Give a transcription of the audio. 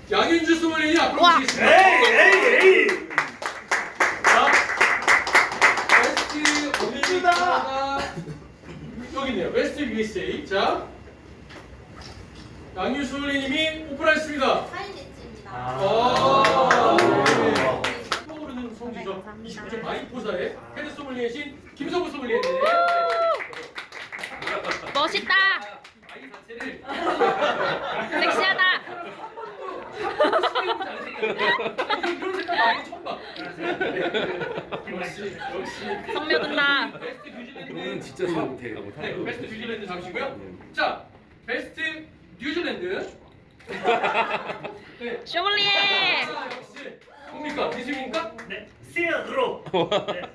양윤주 소믈리에 앞으로 와. 모시겠습니다. 에이. 자, 베스트 올림픽가 여기 있네요. 베스트 USA. 자, 양윤주 소믈리님이 오픈하셨습니다. 사인했습니다. 떠오르는 성지죠. 감사합니다. 29점 마이포사의 헤드 소믈리에신 김성구 소믈리에. 멋있다. 아이 자체를 섹시하다. 이런 색깔 많이 처음 봐. 역시 성묘든다. 베스트 뉴질랜드. 이거는 진짜 잘 못해. 네, 베스트 뉴질랜드 잠시고요. 자, 베스트 뉴질랜드. 네. 쇼블리에. 역시 뭡니까? 미술입니까? 네. 시어드로. 네.